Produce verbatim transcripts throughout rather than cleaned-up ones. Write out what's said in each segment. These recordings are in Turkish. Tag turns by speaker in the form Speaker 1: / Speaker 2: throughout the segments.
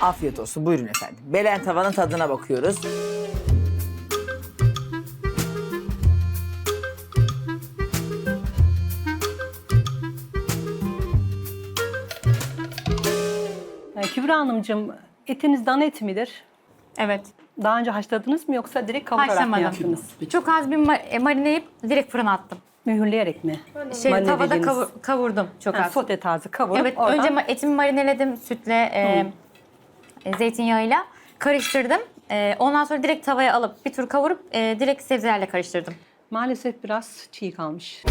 Speaker 1: Afiyet olsun. Buyurun efendim. Belen tavanın tadına bakıyoruz.
Speaker 2: Ee, Kübra Hanımcığım, etiniz dana eti midir?
Speaker 3: Evet.
Speaker 2: Daha önce haşladınız mı yoksa direkt kavurarak mı
Speaker 3: Haşlamadım.
Speaker 2: yaptınız?
Speaker 3: Çok az bir ma- e, marineleyip direkt fırına attım.
Speaker 2: Mühürleyerek mi?
Speaker 3: Şey,
Speaker 2: Marine
Speaker 3: tavada
Speaker 2: dediğiniz-
Speaker 3: kavur- kavurdum çok
Speaker 2: Ha,
Speaker 3: az.
Speaker 2: sote tarzı kavurup
Speaker 3: Evet,
Speaker 2: oradan...
Speaker 3: önce ma- etimi marineledim sütle, e, e, zeytinyağıyla karıştırdım. E, ondan sonra direkt tavaya alıp bir tur kavurup e, direkt sebzelerle karıştırdım.
Speaker 2: Maalesef biraz çiğ kalmış.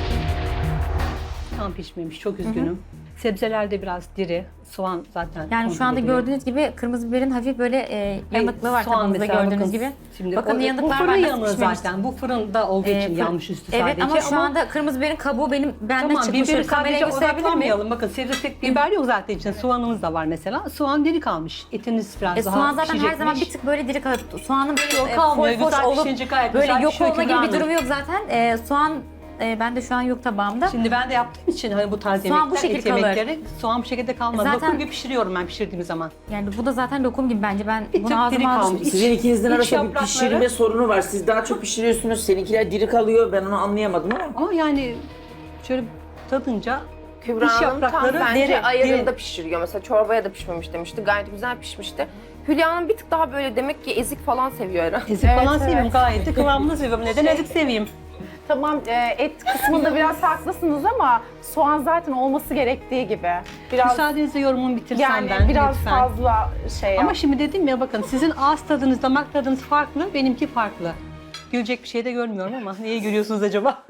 Speaker 2: Tam pişmemiş, çok üzgünüm. Sebzeler de biraz diri, soğan zaten
Speaker 3: Yani
Speaker 2: kontrol
Speaker 3: şu anda
Speaker 2: ediliyor.
Speaker 3: gördüğünüz gibi kırmızı biberin hafif böyle e,
Speaker 2: Hayır,
Speaker 3: yanıklığı var
Speaker 2: soğan
Speaker 3: tabağımızda
Speaker 2: mesela
Speaker 3: gördüğünüz
Speaker 2: bakın,
Speaker 3: gibi.
Speaker 2: Şimdi
Speaker 3: Bakın
Speaker 2: o, bu
Speaker 3: yanıklar
Speaker 2: fırın
Speaker 3: var, nasıl
Speaker 2: yanığı
Speaker 3: pişmemiş.
Speaker 2: zaten. Bu fırında olduğu
Speaker 3: E,
Speaker 2: için
Speaker 3: fır-
Speaker 2: yanmış üstü
Speaker 3: Evet
Speaker 2: sadece.
Speaker 3: ama şu anda kırmızı biberin kabuğu benim benden
Speaker 2: Tamam,
Speaker 3: çıkmış.
Speaker 2: biberi
Speaker 3: Kameraya
Speaker 2: sadece
Speaker 3: gösterebilir miyim?
Speaker 2: odaklanmayalım. Bakın sebze tek biber yok zaten için. Soğanımız da var mesela. Soğan diri kalmış. Etiniz biraz
Speaker 3: E,
Speaker 2: daha
Speaker 3: soğan zaten her
Speaker 2: pişecekmiş.
Speaker 3: zaman bir tık böyle diri kalır. Soğanın böyle
Speaker 2: Yok,
Speaker 3: e,
Speaker 2: kalmıyor.
Speaker 3: foş foş
Speaker 2: Güzel
Speaker 3: olup
Speaker 2: pişince gayet
Speaker 3: böyle
Speaker 2: güzel
Speaker 3: yok
Speaker 2: pişiyor
Speaker 3: olma
Speaker 2: Kübra
Speaker 3: gibi bir
Speaker 2: Hanım.
Speaker 3: durumu yok zaten. E, soğan e, bende şu an yok tabağımda.
Speaker 2: Şimdi ben de yaptığım için hani bu tarz
Speaker 3: Soğan
Speaker 2: yemekler,
Speaker 3: bu şekil
Speaker 2: et
Speaker 3: kalır.
Speaker 2: yemekleri soğan bu şekilde kalmaz.
Speaker 3: Zaten-
Speaker 2: Lokum gibi pişiriyorum ben pişirdiğim zaman.
Speaker 3: Yani bu da zaten lokum gibi bence. Ben
Speaker 2: Bir tık
Speaker 3: bunu
Speaker 2: diri
Speaker 3: ağzıma
Speaker 2: kalmış.
Speaker 3: alıştım.
Speaker 1: Sizin ikinizin
Speaker 2: iç
Speaker 1: arasında bir
Speaker 2: yaprakları-
Speaker 1: pişirme sorunu var. Siz daha çok pişiriyorsunuz. Seninkiler diri kalıyor. Ben onu anlayamadım ama.
Speaker 2: Ama yani şöyle tadınca
Speaker 4: Kübra
Speaker 2: İç
Speaker 4: Hanım tam
Speaker 2: yaprakları
Speaker 4: bence
Speaker 2: deri,
Speaker 4: ayarında
Speaker 2: deri.
Speaker 4: pişiriyor. Mesela çorbaya da pişmemiş demişti. Gayet güzel pişmişti. Hülya Hanım bir tık daha böyle demek ki ezik falan seviyor herhalde.
Speaker 2: ezik falan
Speaker 5: Evet,
Speaker 2: seviyorum
Speaker 5: evet.
Speaker 2: gayet de kıvamını seviyorum. Neden ezik seveyim?
Speaker 5: Tamam, e, et kısmında biraz haklısınız ama soğan zaten olması gerektiği gibi. Biraz
Speaker 2: Müsaadenizle yorumumu bitirsem
Speaker 5: yani
Speaker 2: ben
Speaker 5: biraz
Speaker 2: lütfen.
Speaker 5: fazla şey
Speaker 2: Ama
Speaker 5: yap.
Speaker 2: şimdi dedim ya bakın sizin ağız tadınız, damak tadınız farklı, benimki farklı. Gülecek bir şey de görmüyorum ama neye gülüyorsunuz acaba?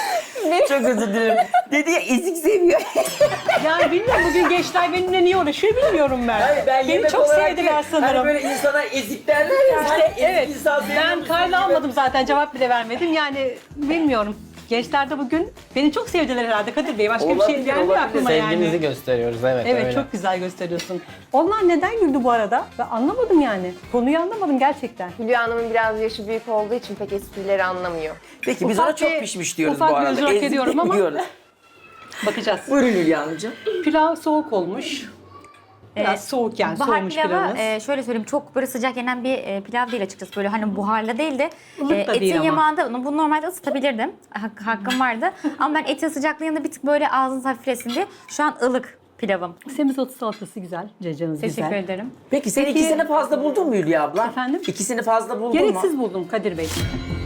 Speaker 1: Çok özür dilerim. Dedi ya ezik seviyor.
Speaker 2: Yani bilmiyorum bugün gençler benimle niye uğraşıyor bilmiyorum ben.
Speaker 1: Hayır, ben
Speaker 2: Beni
Speaker 1: yemek
Speaker 2: çok
Speaker 1: olarak
Speaker 2: sevdiler
Speaker 1: değil,
Speaker 2: sanırım.
Speaker 1: Hani böyle insana ezik derler ya.
Speaker 2: İşte,
Speaker 1: hani ezik
Speaker 2: evet,
Speaker 1: insan seviyor
Speaker 2: ben
Speaker 1: musun
Speaker 2: kayda
Speaker 1: gibi.
Speaker 2: almadım zaten cevap bile vermedim. Yani bilmiyorum. Gençler de bugün beni çok sevdiler herhalde Kadir Bey. Başka bir
Speaker 1: Olabilir,
Speaker 2: şey gelmiyor
Speaker 1: olabilir.
Speaker 2: aklıma
Speaker 6: Sevgimizi
Speaker 2: yani.
Speaker 6: gösteriyoruz, evet,
Speaker 2: Evet
Speaker 6: öyle.
Speaker 2: çok güzel gösteriyorsun. Onlar neden güldü bu arada? Ben anlamadım yani. Konuyu anlamadım gerçekten.
Speaker 4: Hülya Hanım'ın biraz yaşı büyük olduğu için pek esprileri anlamıyor.
Speaker 1: Peki biz
Speaker 2: Ufak
Speaker 1: ona çok
Speaker 2: bir-
Speaker 1: pişmiş diyoruz
Speaker 2: ufak
Speaker 1: bu
Speaker 2: bir
Speaker 1: arada.
Speaker 2: özür hak
Speaker 1: Ezik
Speaker 2: ediyorum ama-
Speaker 1: demiyoruz.
Speaker 2: Bakacağız.
Speaker 1: Buyurun Hülya Hanımcığım.
Speaker 2: Pilav soğuk olmuş. Biraz
Speaker 3: Ee,
Speaker 2: soğuk yani
Speaker 3: Bahar
Speaker 2: soğumuş
Speaker 3: pilavı
Speaker 2: pilavınız.
Speaker 3: e, şöyle söyleyeyim çok böyle sıcak yenen bir e, pilav değil açıkçası. Böyle hani buharlı değil de
Speaker 2: Ilık da
Speaker 3: etin
Speaker 2: değil ama.
Speaker 3: yamağında bunu normalde ısıtabilirdim. Hak- hakkım vardı. Ama ben etin sıcaklığının yanında bir tık böyle ağzınız hafiflesin diye şu an ılık pilavım.
Speaker 2: Semizotu salatası güzel. Cacanız
Speaker 3: Teşekkür
Speaker 2: güzel.
Speaker 3: ederim.
Speaker 1: Peki sen
Speaker 2: Peki-
Speaker 1: ikisini fazla buldun mu Hülya abla?
Speaker 2: Efendim?
Speaker 1: İkisini fazla buldun
Speaker 2: Gereksiz
Speaker 1: mu?
Speaker 2: buldum Kadir Bey.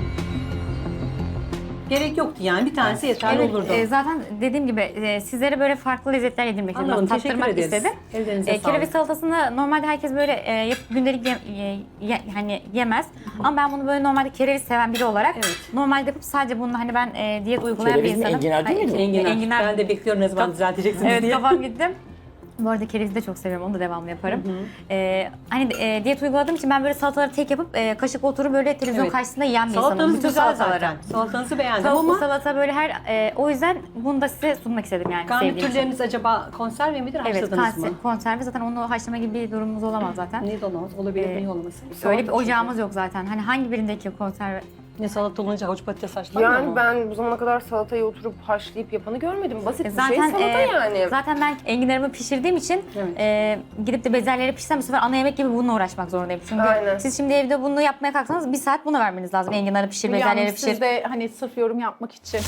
Speaker 2: Gerek yoktu yani. Bir tanesi yeterli
Speaker 3: Evet,
Speaker 2: olurdu.
Speaker 3: e, zaten dediğim gibi e, sizlere böyle farklı lezzetler yedirmek istedim.
Speaker 2: Anladım,
Speaker 3: Bak,
Speaker 2: teşekkür
Speaker 3: tattırmak
Speaker 2: ederiz.
Speaker 3: istedim.
Speaker 2: Ellerinize
Speaker 3: E, kereviz
Speaker 2: sağlık.
Speaker 3: salatasını normalde herkes böyle e, yapıp gündelik ye, ye- ye- hani yemez. Ama ben bunu böyle normalde kereviz seven biri olarak
Speaker 2: Evet.
Speaker 3: normalde yapıp sadece bunu hani ben e, diyet uygulayan
Speaker 1: Kereviz
Speaker 3: bir
Speaker 1: mi,
Speaker 3: insanım.
Speaker 1: enginar değil
Speaker 3: Hayır,
Speaker 1: mi?
Speaker 3: enginar.
Speaker 2: Enginar. Ben de bekliyorum ne zaman
Speaker 3: Kaf-
Speaker 2: düzelteceksiniz
Speaker 3: Evet
Speaker 2: diye.
Speaker 3: kafam gitti. Bu arada kerevizi de çok seviyorum. Onu da devamlı yaparım. Ee, hani e, diyet uyguladığım için ben böyle salataları tek yapıp e, kaşık oturup böyle televizyon
Speaker 2: Evet.
Speaker 3: karşısında yiyen bir insanım.
Speaker 2: Salatanız
Speaker 3: Bütün
Speaker 2: güzel
Speaker 3: salataları.
Speaker 2: zaten. Salatanızı beğendim
Speaker 3: Tavuklu
Speaker 2: ama
Speaker 3: salata böyle her e, o yüzden bunu da size sunmak istedim yani sevdiğim için.
Speaker 2: garnitürleriniz acaba konserve midir,
Speaker 3: Evet,
Speaker 2: haşladınız
Speaker 3: konser,
Speaker 2: mı?
Speaker 3: konserve zaten onu haşlama gibi bir durumumuz olamaz zaten.
Speaker 2: Ne dolamaz? Olabilir,
Speaker 3: Ee,
Speaker 2: niye olmasın?
Speaker 3: Öyle bir
Speaker 2: Salata
Speaker 3: ocağımız yok zaten. Hani hangi birindeki konserve?
Speaker 2: Ne salata olunca havuç patates haşlanmıyor
Speaker 4: Yani
Speaker 2: mu?
Speaker 4: ben bu zamana kadar salatayı oturup haşlayıp yapanı görmedim. Basit
Speaker 3: E,
Speaker 4: bir
Speaker 3: Zaten
Speaker 4: şey salata
Speaker 3: e,
Speaker 4: yani.
Speaker 3: zaten ben enginarımı pişirdiğim için
Speaker 2: Evet.
Speaker 3: e, gidip de bezelyeleri pişirsem bu sefer ana yemek gibi bununla uğraşmak zorundayım. Çünkü
Speaker 4: Aynen.
Speaker 3: siz şimdi evde bunu yapmaya kalksanız bir saat bunu vermeniz lazım. Enginarı pişir,
Speaker 5: Hülya Hanım,
Speaker 3: bezelyeleri pişir.
Speaker 5: siz de hani sırf yorum yapmak için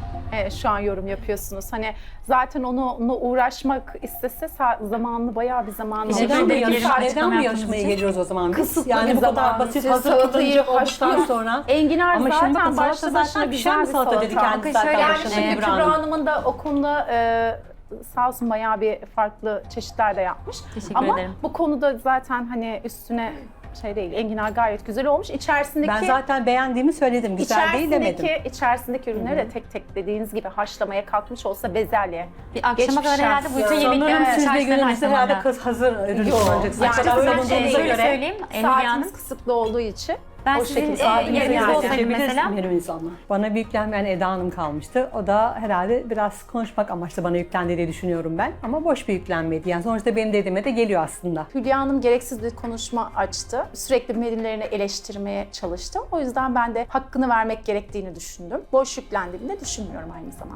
Speaker 5: e, şu an yorum yapıyorsunuz. Hani zaten onu, onunla uğraşmak istese sa- zamanını bayağı bir zamanı
Speaker 3: Teşekkür
Speaker 2: Neden bu,
Speaker 3: ederim.
Speaker 2: yarış,
Speaker 3: Açıklama
Speaker 2: neden bu
Speaker 3: yaptığınız
Speaker 2: yarışmaya
Speaker 3: için.
Speaker 2: geliyoruz o zaman biz?
Speaker 5: Kısıtlı
Speaker 2: Yani
Speaker 5: bir
Speaker 2: bu kadar
Speaker 5: zaman.
Speaker 2: basit
Speaker 5: Siz
Speaker 2: hazır
Speaker 5: salatayı
Speaker 2: kullanıcı olduktan
Speaker 5: haşlıyorsunuz.
Speaker 2: sonra.
Speaker 5: Enginar
Speaker 2: Ama şimdi
Speaker 5: zaten
Speaker 2: bakın
Speaker 5: başlı
Speaker 2: salata
Speaker 5: başına
Speaker 2: zaten
Speaker 5: güzel
Speaker 2: pişen
Speaker 5: bir
Speaker 2: bir salata
Speaker 5: salata.
Speaker 2: dedi kendisi
Speaker 3: Bakın
Speaker 2: zaten
Speaker 3: şöyle,
Speaker 2: başında
Speaker 3: yani
Speaker 2: Kübra
Speaker 5: Kübra
Speaker 2: Hanım.
Speaker 5: Hanım'ın da o konuda e, sağ olsun bayağı bir farklı çeşitler de yapmış.
Speaker 3: Teşekkür
Speaker 5: Ama
Speaker 3: ederim.
Speaker 5: bu konuda zaten hani üstüne şey değil, enginar gayet güzel olmuş. İçerisindeki
Speaker 2: Ben zaten beğendiğimi söyledim. Güzel değil demedim.
Speaker 5: içerisindeki, içerisindeki ürünleri de tek tek dediğiniz gibi haşlamaya kalkmış olsa bezelye.
Speaker 3: Bir akşama
Speaker 5: Geçmiş
Speaker 3: kadar herhalde
Speaker 5: şans.
Speaker 3: bu bütün
Speaker 2: Sanırım
Speaker 3: yemeklerin
Speaker 2: siz de
Speaker 3: içerisinden
Speaker 2: günümüzde herhalde
Speaker 3: haşlamalı.
Speaker 2: kız hazır ürün
Speaker 5: Yok.
Speaker 2: kullanacaksınız.
Speaker 5: Yani
Speaker 2: O kadar
Speaker 5: ben
Speaker 2: savunduğunuza
Speaker 3: şey- şöyle
Speaker 2: göre.
Speaker 3: söyleyeyim, Hülya Hanım.
Speaker 5: Saatiniz kısıtlı olduğu için
Speaker 3: Ben
Speaker 5: o
Speaker 3: sizin,
Speaker 5: şekilde
Speaker 3: e,
Speaker 5: saatinizi
Speaker 3: yerinizde
Speaker 5: yani
Speaker 3: olsaydım
Speaker 2: Seçebiliriz
Speaker 3: mesela.
Speaker 2: menümüzü ama. Bana bir yüklenmeyen Eda Hanım kalmıştı. O da herhalde biraz konuşmak amaçlı bana yüklendi diye düşünüyorum ben. Ama boş bir yüklenmeydi. Yani sonuçta benim dediğime de geliyor aslında.
Speaker 5: Hülya Hanım gereksiz bir konuşma açtı. Sürekli menülerini eleştirmeye çalıştı. O yüzden ben de hakkını vermek gerektiğini düşündüm. Boş yüklendiğini de düşünmüyorum aynı zamanda.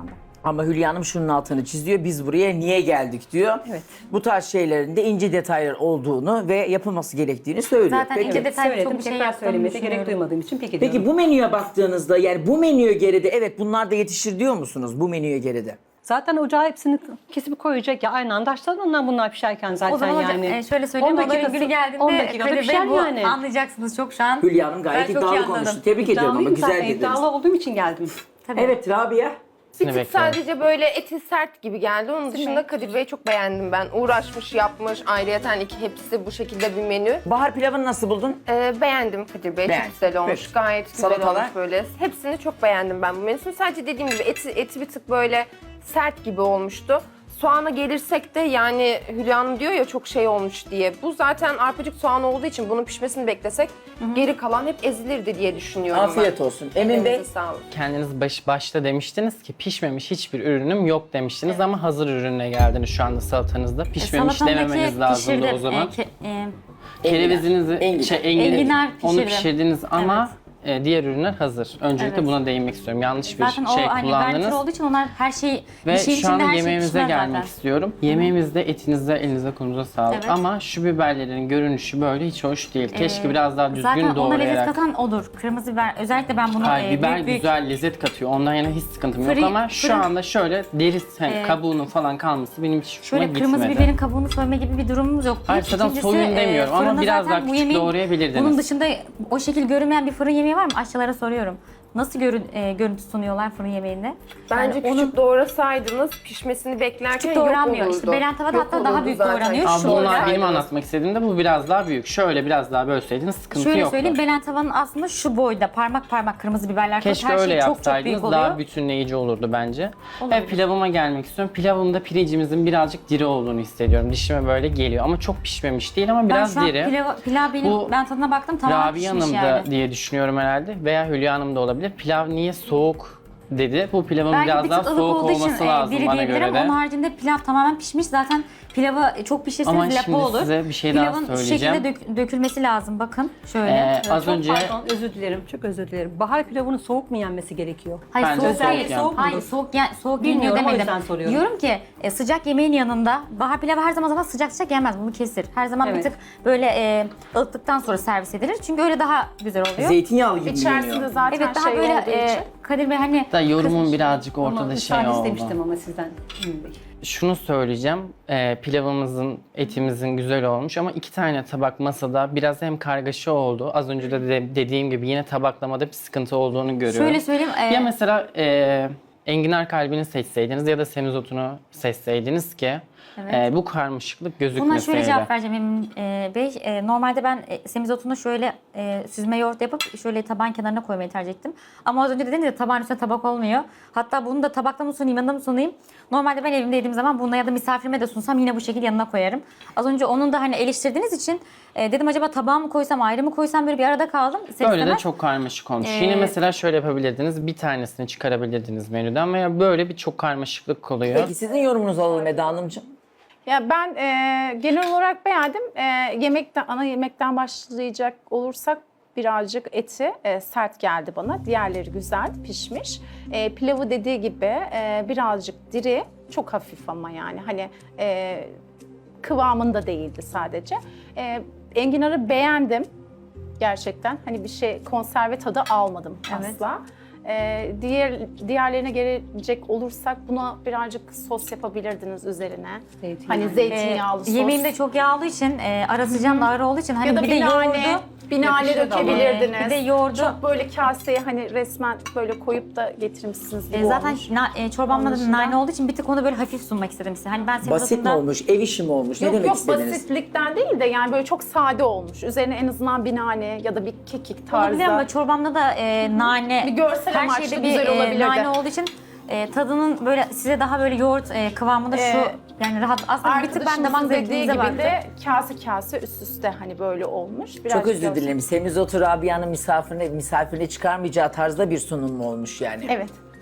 Speaker 1: Ama Hülya Hanım şunun altını çiziyor. Biz buraya niye geldik diyor.
Speaker 2: Evet.
Speaker 1: Bu tarz şeylerin de ince detaylar olduğunu ve yapılması gerektiğini söylüyor.
Speaker 3: Zaten
Speaker 1: Peki.
Speaker 3: ince detay
Speaker 2: Söyledim,
Speaker 3: çok bir şey
Speaker 2: tekrar
Speaker 3: yaptığımı
Speaker 2: söylemeye de gerek
Speaker 3: düşünüyorum.
Speaker 2: duymadığım için peki diyorum.
Speaker 1: Peki bu menüye baktığınızda yani bu menüye geride evet bunlar da yetişir diyor musunuz bu menüye geride?
Speaker 2: Zaten ocağa hepsini kesip koyacak ya aynı anda açtılar ondan bunlar pişerken zaten
Speaker 3: O zaman hocam
Speaker 2: yani.
Speaker 3: e, şöyle söyleyeyim.
Speaker 2: on
Speaker 3: Onların
Speaker 2: dakikası-
Speaker 3: günü geldiğinde
Speaker 2: on dakikada
Speaker 3: Kadir Bey
Speaker 2: pişer
Speaker 3: bu
Speaker 2: yani.
Speaker 3: anlayacaksınız çok şu an.
Speaker 1: Hülya Hanım gayet
Speaker 3: Ben çok iyi
Speaker 1: iddialı
Speaker 3: anladım.
Speaker 1: konuştu. Tebrik ediyorum ama
Speaker 2: İddialıyım
Speaker 1: güzel
Speaker 2: zaten,
Speaker 1: dediniz.
Speaker 2: iddialı olduğum için geldim.
Speaker 3: Tabii.
Speaker 1: Evet Rabia.
Speaker 4: Bir tık
Speaker 6: bekliyorum.
Speaker 4: sadece böyle eti sert gibi geldi. Onun dışında Kadir Bey'i çok beğendim ben. Uğraşmış, yapmış. Ayrıyeten iki hepsi bu şekilde bir menü.
Speaker 1: Bahar pilavını nasıl buldun?
Speaker 4: Ee, beğendim Kadir Bey.
Speaker 1: Beğendin.
Speaker 4: Çok güzel olmuş.
Speaker 1: Peki.
Speaker 4: Gayet güzel
Speaker 1: Salatalar?
Speaker 4: olmuş böyle. Hepsini çok beğendim ben bu menüsünü. Sadece dediğim gibi eti, eti bir tık böyle sert gibi olmuştu. Soğana gelirsek de yani Hülya Hanım diyor ya çok şey olmuş diye. Bu zaten arpacık soğan olduğu için bunun pişmesini beklesek geri kalan hep ezilirdi diye düşünüyorum
Speaker 1: Afiyet
Speaker 4: ben.
Speaker 1: olsun. Emin Bey.
Speaker 4: Elinize sağlık.
Speaker 6: Kendiniz baş, başta demiştiniz ki pişmemiş hiçbir ürünüm yok demiştiniz ama hazır ürüne geldiniz şu anda salatanızda. Pişmemiş
Speaker 3: Salatamdaki
Speaker 6: dememeniz lazımdı
Speaker 3: pişirdim.
Speaker 6: o zaman.
Speaker 3: E, ke- e,
Speaker 6: Kerevizinizi,
Speaker 1: Enginar.
Speaker 6: şey, enginar,
Speaker 3: Enginar
Speaker 6: onu
Speaker 3: pişirdim.
Speaker 6: pişirdiniz ama e, diğer ürünler hazır. Öncelikle
Speaker 3: Evet.
Speaker 6: buna değinmek istiyorum. Yanlış bir
Speaker 3: zaten
Speaker 6: şey
Speaker 3: o hani garnitür
Speaker 6: kullandınız.
Speaker 3: olduğu için onlar her şey
Speaker 6: Ve
Speaker 3: bir şeyin
Speaker 6: şu
Speaker 3: içinde
Speaker 6: anda
Speaker 3: her şey
Speaker 6: yemeğimize
Speaker 3: pişmez
Speaker 6: gelmek
Speaker 3: zaten.
Speaker 6: istiyorum. Yemeğimizde etinize, elinize, kolunuza sağlık.
Speaker 3: Evet.
Speaker 6: Ama şu biberlerin görünüşü böyle hiç hoş değil. Keşke
Speaker 3: Ee,
Speaker 6: biraz daha düzgün
Speaker 3: Zaten ona lezzet
Speaker 6: doğrayarak.
Speaker 3: katan odur. Kırmızı biber. Özellikle ben bunu
Speaker 6: Hayır,
Speaker 3: e,
Speaker 6: biber
Speaker 3: büyük büyük
Speaker 6: güzel lezzet katıyor. Ondan yana hiç sıkıntım
Speaker 3: Fırın-
Speaker 6: yok ama şu
Speaker 3: fırın-
Speaker 6: anda şöyle deri hani
Speaker 3: Ee,
Speaker 6: kabuğunun falan kalması benim hiç hoşuma
Speaker 3: şöyle
Speaker 6: gitmedi.
Speaker 3: kırmızı biberin kabuğunu soyma gibi bir durumumuz yok.
Speaker 6: Hayır, zaten soyun demiyorum ama
Speaker 3: fırında
Speaker 6: biraz
Speaker 3: zaten
Speaker 6: daha
Speaker 3: bu
Speaker 6: küçük
Speaker 3: yemeğin-
Speaker 6: doğrayabilirdiniz.
Speaker 3: Bunun dışında o şekil görünmeyen bir fırın yemeği var mı? Aşçılara soruyorum. Nasıl görün, e, görüntü sunuyorlar fırın yemeğinde?
Speaker 4: Bence
Speaker 3: Yani
Speaker 4: küçük doğrasaydınız pişmesini beklerken
Speaker 3: Küçük
Speaker 4: yok
Speaker 3: doğranmıyor.
Speaker 4: olurdu.
Speaker 3: İşte belen tavada
Speaker 4: Yok
Speaker 3: hatta daha
Speaker 4: olurdu
Speaker 3: büyük
Speaker 4: zaten.
Speaker 3: doğranıyor.
Speaker 6: Ama
Speaker 3: Şu
Speaker 6: bunlar
Speaker 3: olarak-
Speaker 6: benim anlatmak istediğimde bu biraz daha büyük. Şöyle biraz daha bölseydiniz sıkıntı
Speaker 3: Şöyle
Speaker 6: yoktu.
Speaker 3: söyleyeyim, belen tavanın aslında şu boyda parmak parmak kırmızı biberler koyup
Speaker 6: Keşke
Speaker 3: her
Speaker 6: öyle
Speaker 3: şey çok çok büyük
Speaker 6: yapsaydınız
Speaker 3: oluyor.
Speaker 6: daha bütünleyici olurdu bence.
Speaker 3: Olabilir.
Speaker 6: Ve pilavıma gelmek istiyorum. Pilavımda pirincimizin birazcık diri olduğunu hissediyorum. Dişime böyle geliyor ama çok pişmemiş değil ama
Speaker 3: Ben
Speaker 6: biraz
Speaker 3: şu an
Speaker 6: diri.
Speaker 3: pilav, pilav benim,
Speaker 6: Bu
Speaker 3: ben tadına baktım tamamen
Speaker 6: Rabia
Speaker 3: pişmiş
Speaker 6: Hanım da
Speaker 3: yani.
Speaker 6: diye düşünüyorum herhalde veya Hülya Hanım da olabilir. Pilav niye soğuk dedi. Bu pilavın
Speaker 3: Belki
Speaker 6: biraz
Speaker 3: bir
Speaker 6: daha
Speaker 3: tık ılık
Speaker 6: soğuk
Speaker 3: olduğu için
Speaker 6: olması
Speaker 3: e,
Speaker 6: lazım
Speaker 3: diri
Speaker 6: bana
Speaker 3: diyebilirim.
Speaker 6: göre de.
Speaker 3: Onun haricinde pilav tamamen pişmiş. Zaten pilavı çok pişirseniz
Speaker 6: Ama
Speaker 3: lapa
Speaker 6: şimdi
Speaker 3: olur.
Speaker 6: size bir şey daha
Speaker 3: Pilavın şu
Speaker 6: söyleyeceğim.
Speaker 3: şekilde dök- dökülmesi lazım. Bakın şöyle.
Speaker 6: Ee, az
Speaker 2: Çok
Speaker 6: önce
Speaker 2: pardon, özür dilerim, çok özür dilerim. Bahar pilavının soğuk mu yenmesi gerekiyor?
Speaker 3: Hayır
Speaker 6: Bence
Speaker 3: soğuk
Speaker 6: soğuk
Speaker 3: değil.
Speaker 6: yani.
Speaker 3: Soğuk Hayır soğuk, ye- soğuk yeniyor
Speaker 2: Bilmiyorum, o
Speaker 3: demedim.
Speaker 2: yüzden soruyorum.
Speaker 3: Diyorum ki e, sıcak yemeğin yanında bahar pilavı her zaman zaman sıcak sıcak yenmez. Bunu kesir. Her zaman
Speaker 2: Evet.
Speaker 3: bir tık böyle e, ılıttıktan sonra servis edilir. Çünkü öyle daha güzel oluyor.
Speaker 1: Zeytinyağlı gibi
Speaker 5: İçerisinde
Speaker 1: geliyor.
Speaker 5: zaten
Speaker 3: Evet daha
Speaker 5: şey
Speaker 3: böyle
Speaker 5: olduğu
Speaker 3: e,
Speaker 5: için.
Speaker 3: Kadir Bey hani
Speaker 6: da yorumum birazcık
Speaker 2: Ama
Speaker 6: ortada şey
Speaker 2: müsaade
Speaker 6: oldu.
Speaker 2: istemiştim ama sizden. Emin Bey.
Speaker 6: Şunu söyleyeceğim. Ee, pilavımızın, etimizin güzel olmuş ama iki tane tabak masada biraz hem kargaşa oldu. Az önce de, de dediğim gibi yine tabaklamada bir sıkıntı olduğunu görüyorum.
Speaker 3: şöyle söyleyeyim. e,
Speaker 6: Ya mesela e, enginar kalbini seçseydiniz ya da semizotunu seçseydiniz ki e, bu karmaşıklık
Speaker 3: Buna
Speaker 6: gözükmeseydi.
Speaker 3: şöyle cevap vereceğim Emin e, Bey. E, normalde ben e, semizotunu şöyle e, süzme yoğurt yapıp şöyle tabağın kenarına koymayı tercih ettim. Ama az önce dediniz ya tabağın üstüne tabak olmuyor. Hatta bunu da tabakta mı sunayım, yanında mı sunayım? Normalde ben evimde yediğim zaman bununla ya da misafirime de sunsam yine bu şekilde yanına koyarım. Az önce onun da hani eleştirdiğiniz için e, dedim acaba tabağa mı koysam, ayrı mı koysam, böyle bir arada kaldım. İster
Speaker 6: Böyle de
Speaker 3: istemez.
Speaker 6: çok karmaşık olmuş.
Speaker 3: Ee,
Speaker 6: Yine mesela şöyle yapabilirdiniz. Bir tanesini çıkarabilirdiniz menüden veya böyle bir çok karmaşıklık oluyor.
Speaker 1: Peki sizin yorumunuzu alalım Eda Hanımcığım.
Speaker 5: Ya ben e, genel olarak beğendim. E, yemekten ana yemekten başlayacak olursak birazcık eti e, sert geldi bana. Diğerleri güzel pişmiş. E, pilavı dediği gibi e, birazcık diri, çok hafif ama yani hani e, kıvamında değildi sadece. E, enginarı beğendim gerçekten. Hani bir şey konserve tadı almadım
Speaker 3: Evet.
Speaker 5: asla. Ee, diğer diğerlerine gelecek olursak buna birazcık sos yapabilirdiniz üzerine.
Speaker 2: Zeytinyağı.
Speaker 5: Hani zeytinyağlı
Speaker 3: E,
Speaker 5: sos.
Speaker 3: yemeğim de çok yağ olduğu için, e, ara sıcağım da ağır olduğu için hani
Speaker 5: ya da
Speaker 3: bir de
Speaker 5: bir nane,
Speaker 3: yoğurdu.
Speaker 5: bir nane
Speaker 2: yakışır da ama.
Speaker 5: dökebilirdiniz.
Speaker 3: Bir de yoğurdu.
Speaker 5: Çok böyle kaseye hani resmen böyle koyup da getirmişsiniz gibi
Speaker 3: E, zaten
Speaker 5: olmuş.
Speaker 3: na, e, çorbamda
Speaker 5: Onun
Speaker 3: da
Speaker 5: dışında-
Speaker 3: nane olduğu için bir tık onu böyle hafif sunmak istedim size. Hani ben senin
Speaker 1: Basit mi
Speaker 3: tadında-
Speaker 1: olmuş, ev işi mi olmuş? Ne
Speaker 5: Yok
Speaker 1: demek
Speaker 5: yok
Speaker 1: istediniz?
Speaker 5: basitlikten değil de yani böyle çok sade olmuş. Üzerine en azından bir nane ya da bir kekik
Speaker 3: Olabilir
Speaker 5: tarzda.
Speaker 3: ama çorbamda da e, nane,
Speaker 5: Bir görsel
Speaker 3: her
Speaker 5: amaçlı
Speaker 3: şeyde bir
Speaker 5: güzel
Speaker 3: e,
Speaker 5: olabilirdi.
Speaker 3: nane olduğu için e, tadının böyle size daha böyle yoğurt e, kıvamında şu
Speaker 5: Ee,
Speaker 3: yani rahat aslında bir tık ben damak
Speaker 5: Arkadaşımızın dediği
Speaker 3: zevkinize
Speaker 5: gibi
Speaker 3: baktım.
Speaker 5: de kase kase üst üste hani böyle olmuş.
Speaker 1: Çok
Speaker 5: Birazcık
Speaker 1: özür
Speaker 5: görsel-
Speaker 1: dilerim. Semizotu Rabia'nın misafirine, misafirine çıkarmayacağı tarzda bir sunum mu olmuş yani?
Speaker 5: Evet.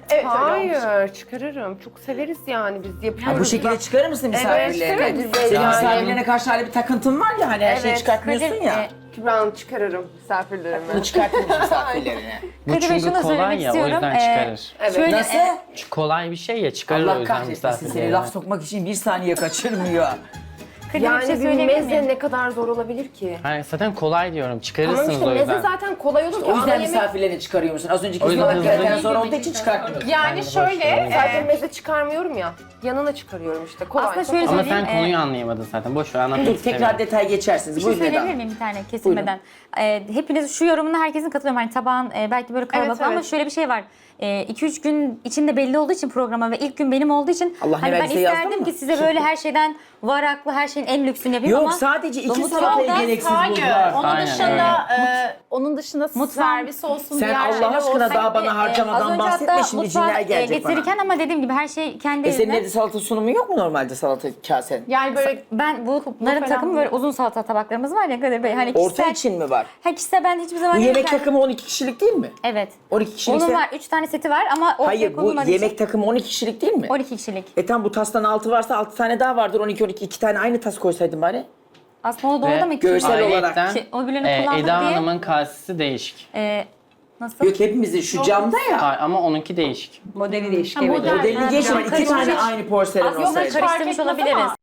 Speaker 5: Evet öyle olmuş.
Speaker 4: Hayır, çıkarırım. Çok severiz yani biz yapıyoruz.
Speaker 1: Ha, bu şekilde çıkarır mısın misafirlerine?
Speaker 4: Kadir Bey,
Speaker 1: Senin
Speaker 4: yani-
Speaker 1: misafirlerine karşı hala bir takıntın var ya hani her şeyi
Speaker 4: Evet,
Speaker 1: çıkartmıyorsun
Speaker 3: Kadir,
Speaker 1: ya.
Speaker 3: e,
Speaker 4: Kübra Hanım çıkarırım misafirlerime.
Speaker 1: Bunu çıkartmıyorsun misafirlerine.
Speaker 6: Bu
Speaker 3: Kadir Bey,
Speaker 6: çünkü
Speaker 3: şunu
Speaker 6: kolay
Speaker 3: söylemek
Speaker 6: ya o
Speaker 3: istiyorum.
Speaker 6: yüzden
Speaker 3: Ee,
Speaker 6: çıkarır.
Speaker 4: Evet.
Speaker 3: Şöyle,
Speaker 1: Nasıl?
Speaker 3: e,
Speaker 6: Çünkü kolay bir şey ya çıkarır o
Speaker 1: Allah
Speaker 6: yüzden
Speaker 1: kahretmesin seni
Speaker 6: misafirlerine.
Speaker 1: laf sokmak için bir saniye kaçırmıyor.
Speaker 3: Kadir Bey, bir şey
Speaker 4: Yani bir
Speaker 3: söyleyebilir miyim?
Speaker 4: meze ne kadar zor olabilir ki?
Speaker 6: Hayır, zaten kolay diyorum
Speaker 4: Tamam
Speaker 6: çıkarırsınız
Speaker 4: işte
Speaker 6: o
Speaker 4: meze
Speaker 6: yüzden.
Speaker 4: zaten kolay olur ki.
Speaker 1: O yüzden
Speaker 4: ana yemek
Speaker 1: misafirlerini çıkarıyor musun? Az önceki
Speaker 6: O yüzden
Speaker 1: ıspanak gereken
Speaker 6: hızlı-
Speaker 1: zor olduğu için çıkartmıyorsun.
Speaker 5: Yani şöyle,
Speaker 6: boş ver.
Speaker 4: Sadece
Speaker 5: e,
Speaker 4: meze çıkarmıyorum ya. Yanına çıkarıyorum işte. Kolay.
Speaker 3: Aslında
Speaker 4: çok
Speaker 3: şöyle
Speaker 4: kolay.
Speaker 6: Ama sen
Speaker 3: söyleyeyim,
Speaker 6: konuyu
Speaker 3: e,
Speaker 6: anlayamadın zaten. Boş ver anlatmak
Speaker 1: Dur
Speaker 6: istemiyorum.
Speaker 1: tekrar detay geçersiniz.
Speaker 3: Bir şey
Speaker 1: Buyurun
Speaker 3: söyleyebilir
Speaker 1: Eda.
Speaker 3: miyim bir tane kesilmeden? Ee, hepiniz şu yorumuna herkesin katılıyorum. Hani tabağın e, belki böyle kalabalık
Speaker 5: Evet,
Speaker 3: ama
Speaker 5: evet.
Speaker 3: şöyle bir şey var. iki üç gün içinde belli olduğu için programa ve ilk gün benim olduğu için
Speaker 1: Allah ne
Speaker 3: hani ben
Speaker 1: verdiyse yazdın
Speaker 3: isterdim
Speaker 1: mı?
Speaker 3: ki size böyle her şeyden varaklı, her şeyin en lüksünü yapayım
Speaker 1: Yok
Speaker 3: ama
Speaker 1: sadece iki
Speaker 3: Domuz
Speaker 1: salatayı
Speaker 3: yoldan-
Speaker 1: gereksiz
Speaker 5: hayır.
Speaker 1: buldular.
Speaker 5: Onun
Speaker 6: Aynen,
Speaker 5: dışında e, onun dışında
Speaker 3: Mutfağın-
Speaker 5: servis olsun,
Speaker 1: Sen
Speaker 5: diğer
Speaker 1: Allah
Speaker 5: şeyler
Speaker 1: aşkına
Speaker 5: olsun.
Speaker 1: daha bana
Speaker 3: E,
Speaker 1: harcamadan
Speaker 3: az önce
Speaker 1: bahsetme,
Speaker 3: hatta
Speaker 1: şimdi
Speaker 3: mutfağa,
Speaker 1: cinler
Speaker 3: e,
Speaker 1: gelecek bana.
Speaker 3: getirirken ama dediğim gibi her şey kendi
Speaker 1: E senin
Speaker 3: eline.
Speaker 1: evde salata sunumu yok mu normalde salata kasen?
Speaker 5: Yani böyle
Speaker 3: Ben bunların
Speaker 5: falan
Speaker 3: takımı
Speaker 5: değil.
Speaker 3: böyle uzun salata tabaklarımız var ya Kadir Bey. Hani
Speaker 1: Orta
Speaker 3: kişisel,
Speaker 1: için mi var?
Speaker 3: ha, kişisel ben hiçbir zaman
Speaker 1: Bu yemek
Speaker 3: yemekten-
Speaker 1: takımı on iki kişilik değil mi?
Speaker 3: Evet.
Speaker 1: on iki kişilik.
Speaker 3: Onun var. üç tane seti var ama ortaya
Speaker 1: Hayır bu
Speaker 3: konulmadığı
Speaker 1: yemek
Speaker 3: için
Speaker 1: takımı on iki kişilik değil mi?
Speaker 3: on iki kişilik.
Speaker 1: E tam bu tastan altı varsa altı tane daha vardır. on iki on iki iki tane aynı tas koysaydın bari.
Speaker 3: Aslında o doğru
Speaker 6: Ve
Speaker 3: da mı?
Speaker 1: görsel olarak
Speaker 6: Ayrıyeten,
Speaker 3: Ki o birini
Speaker 6: e,
Speaker 3: kullandık
Speaker 6: Eda
Speaker 3: diye-
Speaker 6: Hanım'ın kasesi değişik.
Speaker 3: Ee, nasıl?
Speaker 1: Yok hepimizin şu camda ya.
Speaker 6: Hayır, ama onunki değişik.
Speaker 2: Modeli değişik.
Speaker 5: Ha,
Speaker 2: evet.
Speaker 5: model-
Speaker 1: Modelini
Speaker 5: Ha,
Speaker 1: geçme.
Speaker 3: cam
Speaker 1: iki
Speaker 3: karışmış.
Speaker 1: tane aynı porselen
Speaker 3: Aslında
Speaker 1: olsaydı.
Speaker 3: karıştırmış
Speaker 5: fark etmez
Speaker 3: olabiliriz.
Speaker 5: ama